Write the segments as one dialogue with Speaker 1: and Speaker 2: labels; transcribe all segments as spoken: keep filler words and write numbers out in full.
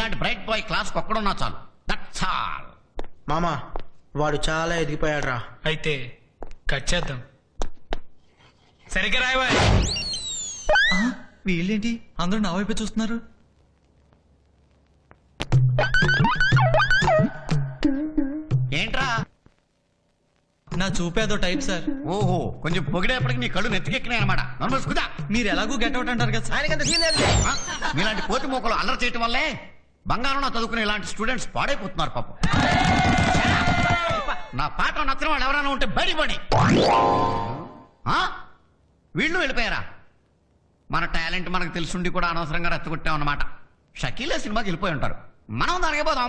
Speaker 1: మీలాంటి bright bye class ఒక్కడున్నా చాలు. That's all.
Speaker 2: మామా వాడు చాలా ఎదిగిపోయాడు రా.
Speaker 3: అయితే కట్ చేద్దాం. సరిగ్గా రాయవా.
Speaker 4: వీళ్ళేంటి అందరూ నా వైపే చూస్తున్నారు?
Speaker 1: ఏంట్రా?
Speaker 4: నా చూపేదో టైప్ సార్.
Speaker 1: ఓహో, కొంచెం పొగిడేపటికి నీ కళ్ళు నెత్తికెక్కినాయి అనమాట. నమ్మేసుకుదా.
Speaker 4: మీరు ఎలాగూ గెట్ అవుట్ అంటారు కదా సార్.
Speaker 2: ఆయనకంత సీన్ లేదు.
Speaker 1: మీలాంటి కోతి మూకలు అల్లరి చేయటం వల్లే బంగారం చదువుకునే ఇలాంటి స్టూడెంట్స్ పాడైపోతున్నారు పాపం. నా పాట నచ్చిన వాళ్ళు ఎవరైనా ఉంటే బడి బడి. వీళ్ళు వెళ్ళిపోయారా? మన టాలెంట్ మనకు తెలుసుండి కూడా అనవసరంగా రెచ్చగొట్టాం అన్నమాట. షకీలే సినిమాకి వెళ్ళిపోయి ఉంటారు. మనం దానికి పోదాం.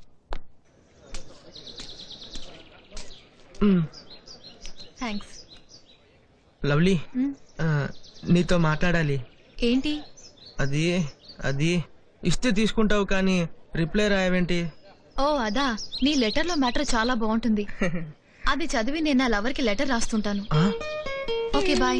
Speaker 5: థ్యాంక్స్.
Speaker 2: లవ్లీ, నీతో మాట్లాడాలి.
Speaker 5: ఏంటి?
Speaker 2: అది అది ఇస్తే తీసుకుంటావు కానీ రిప్లై రాయవేంటి?
Speaker 5: ఓ అదా, నీ లెటర్ లో మ్యాటర్ చాలా బాగుంటుంది. అది చదివి నేను నా లవర్ కి లెటర్ రాస్తుంటాను. Okay bye.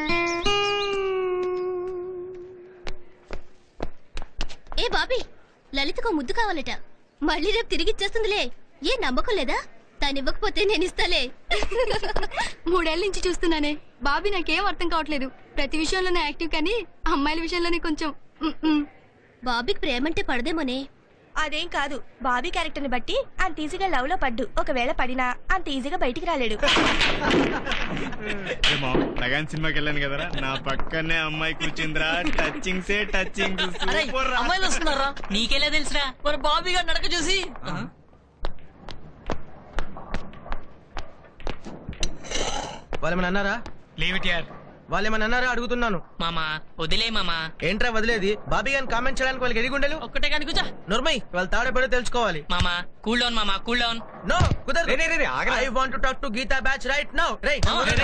Speaker 6: ఏ బాబీ, లలితకు ముద్దు కావాలట. మళ్ళీ రేపు తిరిగి ఇచ్చేస్తుందిలే. ఏ నమ్మకం లేదా? తను ఇవ్వకపోతే నేను ఇస్తాలే.
Speaker 7: మూడేళ్ల నుంచి చూస్తున్నానే బాబీ, నాకేం అర్థం కావట్లేదు. ప్రతి విషయంలోనే యాక్టివ్ కానీ అమ్మాయిల విషయంలోనే కొంచెం.
Speaker 6: బాబీకి ప్రేమంటే పడదేమోనే.
Speaker 8: అదేం కాదు, బాబీ క్యారెక్టర్ ని బట్టి అంత ఈజీగా లవ్ లో పడ్డు. ఒకవేళ పడినా అంత ఈజీగా బయటికి రాలేడు.
Speaker 9: లగాన్ సినిమాకి వెళ్ళాను కదరా, నా పక్కనే అమ్మాయి కూర్చుందిరా. టచింగ్ సే టచింగ్.
Speaker 10: అమ్మాయిలు వస్తున్నారా? నీకెలా తెలుసురా? మరి బాబీ గారు నడక చూసి.
Speaker 2: వాళ్ళేమన్నా అన్నారా?
Speaker 3: లీవ్ ఇట్ యార్.
Speaker 2: వాళ్ళేమన్నా అన్నారా అడుగుతున్నాను.
Speaker 10: మామా వదిలే మామా.
Speaker 2: ఏంట్రా వదిలేది? బాబీ గారిని కామెంట్ చేయడానికి వాళ్ళకి ఎదిగుండలు.
Speaker 10: ఒక్కటే కానీ కూర్చో.
Speaker 2: నోర్మయ్, వాళ్ళ తాడేపడో తెలుసుకోవాలి.
Speaker 10: మామా కూల్ డౌన్ మామా, కూల్ డౌన్.
Speaker 2: నో కుదరదు. I want to talk to Geetha batch right now. రేయ్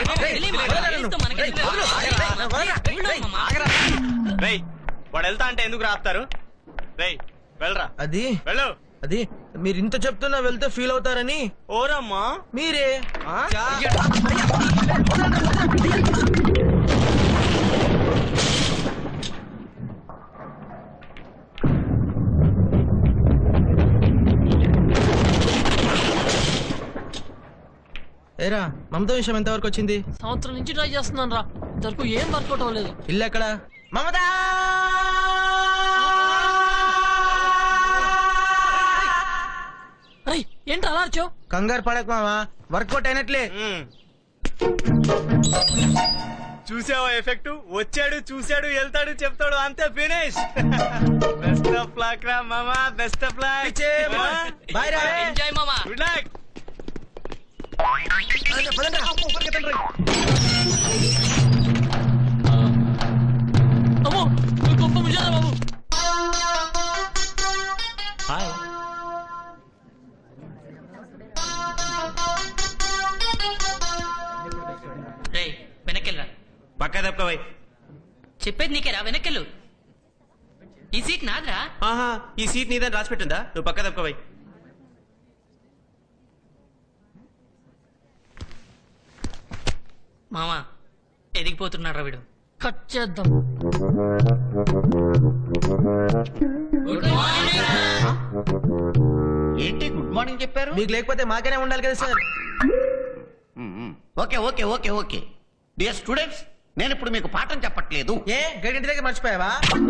Speaker 9: రేయ్, వాడు వెళ్తా అంటే ఎందుకు రాస్తారు? రేయ్ వెళ్ళరా.
Speaker 2: అది
Speaker 9: వెళ్ళు.
Speaker 2: అది మీరు ఇంత చెప్తున్నా వెళ్తే ఫీల్ అవుతారని.
Speaker 9: ఓరమ్మా
Speaker 2: మీరే ఏరా మమత విషయం ఎంతవరకు వచ్చింది?
Speaker 10: సంవత్సరం నుంచి ట్రై చేస్తున్నాను రా, ఇంతవరకు ఏం వర్కౌట్ అవ్వలేదు.
Speaker 2: ఇల్లు ఎక్కడ? మమత
Speaker 10: ఏంటి అలా వచ్చావు?
Speaker 2: కంగారు పడక మావా, వర్కౌట్ అయినట్లే.
Speaker 9: చూసావా ఎఫెక్ట్? వచ్చాడు, చూశాడు, వెళ్తాడు, చెప్తాడు, అంతే ఫినిష్. బెస్ట్ ఆఫ్ లక్ రా మామా, బెస్ట్ ఆఫ్ లక్.
Speaker 2: బాయ్ రా.
Speaker 10: ఎంజాయ్ మామా.
Speaker 9: Good luck.
Speaker 10: అమ్మో గొప్ప ముజారా బాబు.
Speaker 9: హాయ్.
Speaker 10: రే వెనకెళ్ళరా.
Speaker 9: పక్క తప్పవై.
Speaker 10: చెప్పేది నీకేరా, వెనకెళ్ళు. ఈ సీట్ నాదిరా.
Speaker 9: ఆహా, ఈ సీట్ నీదని రాసి పెట్టిందా? నువ్వు పక్క తప్పవై.
Speaker 10: మామా ఎదిగిపోతున్నారా వీడు. కట్ చేద్దాం.
Speaker 1: ఏంటి గుడ్ మార్నింగ్ చెప్పారు?
Speaker 2: మీకు లేకపోతే మాకేనే ఉండాలి కదా sir.
Speaker 1: Okay okay okay okay dear students, నేను ఇప్పుడు మీకు పాఠం చెప్పట్లేదు.
Speaker 2: ఏ గడింటి దగ్గర మర్చిపోయావా?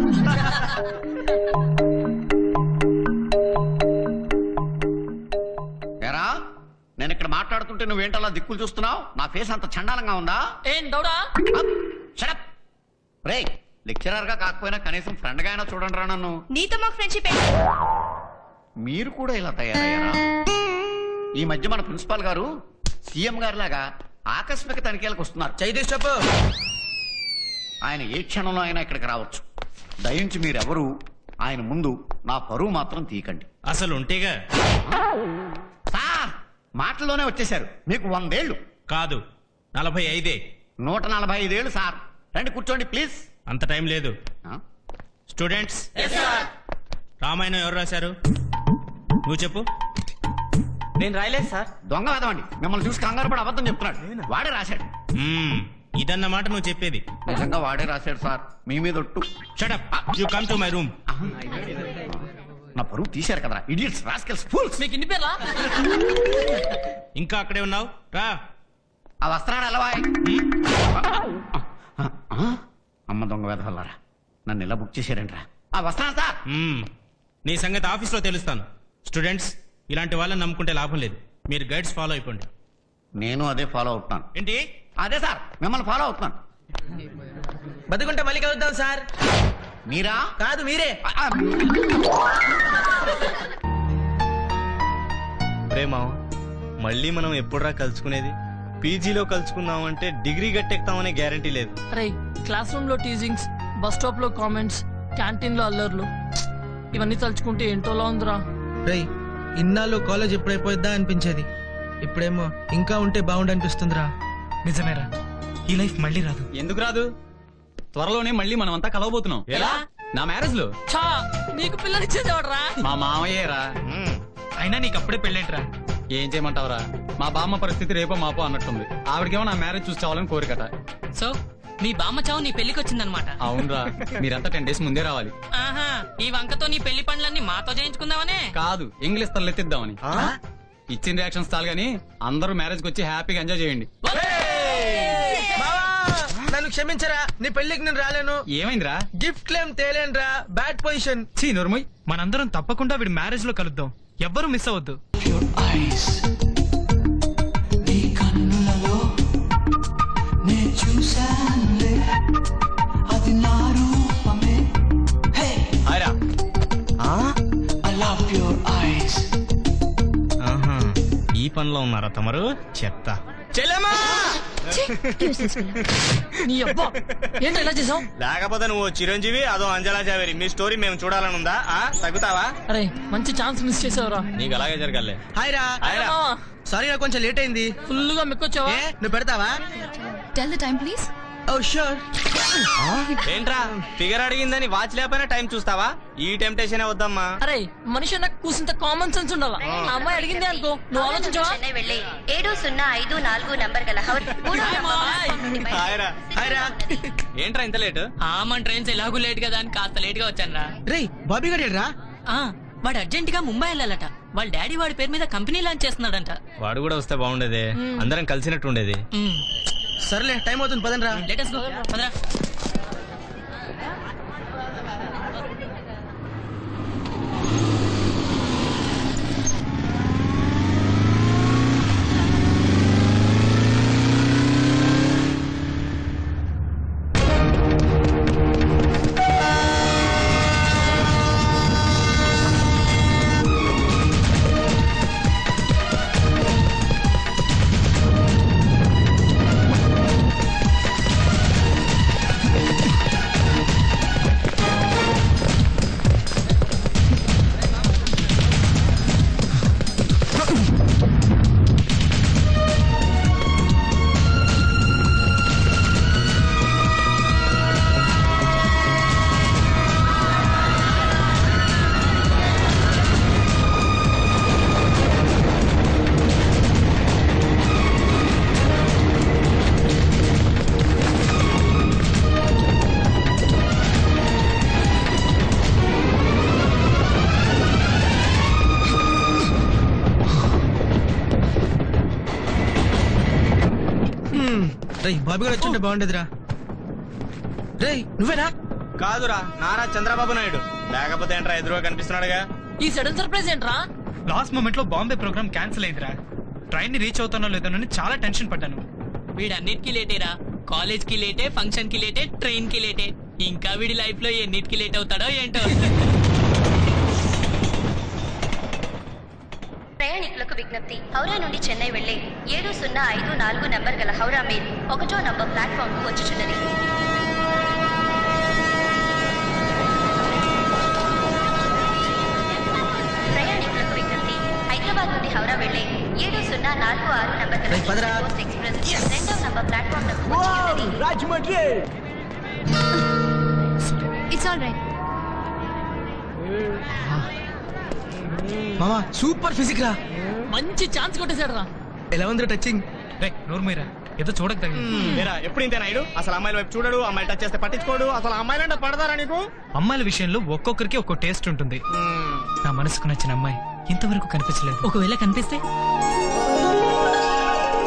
Speaker 1: ఏరా, నేను ఇక్కడ మాట్లాడుతుంటే నువ్వేంటలా దిక్కులు చూస్తున్నావు? నా ఫేస్ అంత చండాలంగా ఉందా?
Speaker 10: ఏం దౌడా?
Speaker 1: షడప్. రే, లెక్చరర్ గా కాకపోయినా కనీసం ఫ్రెండ్ గా అయినా చూడండి రా నన్ను.
Speaker 8: నీతో మాకు ఫ్రెండ్షిప్.
Speaker 1: మీరు కూడా ఇలా తయారయ్యారా? ఈ మధ్య మన ప్రిన్సిపాల్ గారు సీఎం గారి లాగా ఆకస్మిక తనిఖీలకు వస్తున్నారు.
Speaker 2: చైతీష్ చెప్పు.
Speaker 1: ఆయన ఏ క్షణంలో అయినా ఇక్కడికి రావచ్చు. దయించి మీరెవరు ఆయన ముందు నా పరువు మాత్రం తీయకండి.
Speaker 9: అసలు ఉంటేగా
Speaker 1: సార్, మాటల్లోనే వచ్చేశారు. మీకు వందేళ్లు
Speaker 9: కాదు, నలభై ఐదే.
Speaker 1: నూట నలభై ఐదేళ్లు సార్. రండి కూర్చోండి ప్లీజ్.
Speaker 9: అంత టైం లేదు. స్టూడెంట్స్, రామాయణం ఎవరు రాశారు? నువ్వు చెప్పు.
Speaker 4: నేను రాయలేదు సార్.
Speaker 1: దొంగ వేదమండి, మిమ్మల్ని చూసి కంగారు పడి అబద్ధం చెప్తున్నాడు. వాడే రాశాడు.
Speaker 9: మ్మ్, ఇదన్నమాట నువ్వు చెప్పేది.
Speaker 1: నిజంగా వాడే రాశాడు సార్, మీ మీద ఒట్టు.
Speaker 9: Shut up, you come to my room.
Speaker 1: నా పరువు తీశారు కదరా ఇడియట్స్ రాస్కెల్స్ ఫూల్స్.
Speaker 10: మీకు ఇన్ని పేర్లా?
Speaker 9: ఇంకా అక్కడే ఉన్నావు రా.
Speaker 1: ఆ వస్త్రాడు అలవాయ్. అమ్మ దొంగ వేధవల్లారా నన్ను ఇలా బుక్ చేశారంట్రా. ఆ వస్త్రాలు సార్.
Speaker 9: మ్మ్. నీ సంగతి ఆఫీస్లో తెలుస్తాను. స్టూడెంట్స్, ఇలాంటి వాళ్ళని నమ్ముకుంటే లాభం లేదు. మీరు గైడ్స్ ఫాలో అయిపోండి.
Speaker 1: నేను అదే ఫాలో అవుతున్నాను.
Speaker 9: ఏంటి?
Speaker 1: అదే సార్ మిమ్మల్ని ఫాలో అవుతున్నాను.
Speaker 2: బతుకుంటే మళ్ళీ కలుద్దాం సార్.
Speaker 1: మీరా?
Speaker 2: కాదు మీరే.
Speaker 1: ఆ, ఆ,
Speaker 9: ప్రేమ మళ్ళీ మనం ఎప్పుడురా కలుసుకునేది? పీజీలో కలుసుకుందామంటే డిగ్రీ గట్టెక్తామనే గ్యారంటీ లేదు.
Speaker 10: అరే క్లాస్ రూమ్ లో టీజింగ్స్, బస్ స్టాప్ లో కామెంట్స్, క్యాంటీన్ లో అల్లర్లు, ఇవన్నీ తలుచుకుంటే ఏంటోలా ఉందిరా.
Speaker 2: రేయ్, ఇన్నాళ్ళు కాలేజ్ ఎప్పుడైపోయిద్దా అనిపించేది. ఇప్పుడేమో ఇంకా ఉంటే బాగుండు అనిపిస్తుందిరా.
Speaker 4: నిజమేరా, ఈ లైఫ్ మళ్ళీ రాదు.
Speaker 11: ఎందుకు రాదు? త్వరలోనే మళ్ళీ మనం అంతా కలవబోతున్నాం.
Speaker 9: ఎలా?
Speaker 11: నా మ్యారేజ్ లో.
Speaker 10: ఛా, నీకు పిల్లనిచ్చేదేవడరా?
Speaker 11: మా మామయ్యేరా.
Speaker 9: మ్మ్.
Speaker 4: అయినా నీకు అప్పుడే పెళ్ళేంట్రా?
Speaker 11: ఏం చేయమంటావురా, మా బామ్మ పరిస్థితి రేపో మాపో అన్నట్టుంది. ఆవిడకేమో నా మ్యారేజ్ చూసి చావాలని కోరికట.
Speaker 10: సో మీ బామ్మ చావు నీ పెళ్లికి వచ్చిందనమాట.
Speaker 11: అవునరా, మీరంతా టెన్ డేస్ ముందే రావాలి.
Speaker 10: ఆహా, ఈ వంకతో నీ పెళ్లి పనులన్నీ మాతో చేయించుకుందామనే.
Speaker 11: కాదు, ఇంగ్లీష్ తలెత్తిద్దామని. ఇచ్చిన రియాక్షన్స్ చాలు గానీ అందరూ మ్యారేజ్ కి వచ్చి హ్యాపీగా ఎంజాయ్ చేయండి.
Speaker 2: బావా, నన్ను క్షమించరా, నీ పెళ్లికి నేను రాలేను.
Speaker 11: ఏమైందిరా?
Speaker 2: గిఫ్ట్ క్లెయిమ్ తేలేనురా, బ్యాడ్ పొజిషన్.
Speaker 4: చీ నోర్మయ్, మనందరం తప్పకుండా వీడి మ్యారేజ్ లో కలుద్దాం. ఎవ్వరూ మిస్ అవ్వద్దు.
Speaker 9: హాయ్రా. ఆహా, ఈ పనిలో ఉన్నారా తమరు? చెత్త. చెల్లెమ్మా!
Speaker 10: నీ అబ్బా ఏంటో ఇలా చేసావు?
Speaker 9: లేకపోతే నువ్వు చిరంజీవి, అదో అంజలా జావేరి. మీ స్టోరీ మేము చూడాలని ఉందా? ఆ, తగ్గుతావా?
Speaker 10: అరే మంచి ఛాన్స్ మిస్ చేసావురా.
Speaker 11: నీకు అలాగే జరగాలే.
Speaker 2: హాయ్ రా.
Speaker 9: హాయ్రా.
Speaker 2: సారీ రా, కొంచెం లేట్ అయింది.
Speaker 10: ఫుల్ గా మెక్కొచ్చావా?
Speaker 2: ఏ, నువ్వు పెడతావా?
Speaker 5: Tell the time please.
Speaker 2: Oh sure.
Speaker 9: ఏంట్రా, ఫిగర్ అడిగిందని వాచ్ లేకపోయినా టైం చూస్తావా? ఈ టెంప్టేషన్ వద్దమ్మా.
Speaker 10: అరే మనిషి నాకు కూసింత కామన్ సెన్స్ ఉండాలా. ఆ అమ్మాయి అడిగింది అనుకో, నువ్వు ఆలోచించవా?
Speaker 8: చెన్నై వెళ్ళి ఏడు సున్నా ఐదు నాలుగు నంబర్ గల హౌర్ మూడో
Speaker 10: హాయ్
Speaker 8: నంబర్
Speaker 10: మాయ్.
Speaker 8: ప్లాట్ఫామ్ నుండి బయలుదేరి
Speaker 9: హాయ్రా.
Speaker 2: హాయ్ రా.
Speaker 11: ఏంట్రా ఇంత లేట్?
Speaker 10: ఆ మన ట్రైన్స్ ఎలాగూ లేట్ కదా అని కాస్త లేట్ గా వచ్చాను రా.
Speaker 2: రేయ్, బాబీ గారు రా.
Speaker 10: ఆ, వాడు అర్జెంట్ గా ముంబై వెళ్ళాలట. వాళ్ళ డాడీ వాడి పేరు మీద కంపెనీ లాంచ్ చేస్తున్నాడంట.
Speaker 9: వాడు కూడా వస్తే బాగుండేది, అందరం కలిసినట్టు ఉండేది.
Speaker 2: సర్లే, టైం అవుతుంది, పదండి రా.
Speaker 10: లేటెస్ట్ గో పదరా.
Speaker 2: రేయ్, బాబీ గారు వచ్చుంటే బాగుండేదిరా. రేయ్, నువ్వేనా?
Speaker 9: కాదురా, నారా చంద్రబాబు నాయుడు. లేకపోతే ఏంట్రా ఎదురుగా కనిపిస్తున్నాడుగా.
Speaker 10: ఈ సడన్ సర్ప్రైజ్ ఏంట్రా?
Speaker 4: లాస్ట్ మూమెంట్ లో బాంబే ప్రోగ్రామ్ క్యాన్సిల్ అయిందిరా. ట్రైన్ ని రీచ్ అవుతానో లేదోనని చాలా టెన్షన్ పడ్డాను.
Speaker 10: వీడన్నిటికీ లేటేరా. కాలేజ్ కి లేటే, ఫంక్షన్ కి లేటే, ట్రైన్ కి లేటే. ఇంకా వీడి లైఫ్ లో ఎన్నిటికి లేట్ అవుతాడో ఏంటో.
Speaker 8: ప్రయాణికులకు విజ్ఞప్తి, హౌరా నుండి చెన్నై వెళ్లే ఏడు సున్నా ఐదు నాలుగు నంబర్ గల హౌరా మెయిల్ ఒకటో నంబర్ ప్లాట్ఫామ్ కు వచ్చుచున్నది. ప్రయాణికులకు విజ్ఞప్తి, హైదరాబాద్ నుండి హౌరా వెళ్లే ఏడు సున్నా నాలుగు ఆరు నంబర్ గల
Speaker 2: రేయ్, పదరా.
Speaker 8: ఎక్స్ప్రెస్ రెండవ నంబర్ ప్లాట్ఫామ్ కు వచ్చుచున్నది.
Speaker 7: It's all right.
Speaker 2: మామా, సూపర్ ఫిజిక్ రా.
Speaker 10: మంచి ఛాన్స్ కొట్టేశాడు రా.
Speaker 2: ఎలా ఉంది టచింగ్?
Speaker 4: రే నోర్మీరా, ఏదో చూడక తగిలింది.
Speaker 9: లేరా, ఎప్పుడు ఇంతే నాయుడు. అసలు అమ్మాయిల వైపు చూడడు, అమ్మాయిలు టచ్ చేస్తే పట్టించుకోడు. అసలు అమ్మాయిలంటే పడతారా నీకు?
Speaker 4: అమ్మాయిల విషయంలో ఒక్కొక్కరికి ఒక్కో టేస్ట్ ఉంటుంది.
Speaker 9: మ్మ్.
Speaker 4: నా మనసుకు నచ్చిన అమ్మాయి ఇంతవరకు కనిపించలేదు.
Speaker 10: ఒకవేళ కనిపిస్తే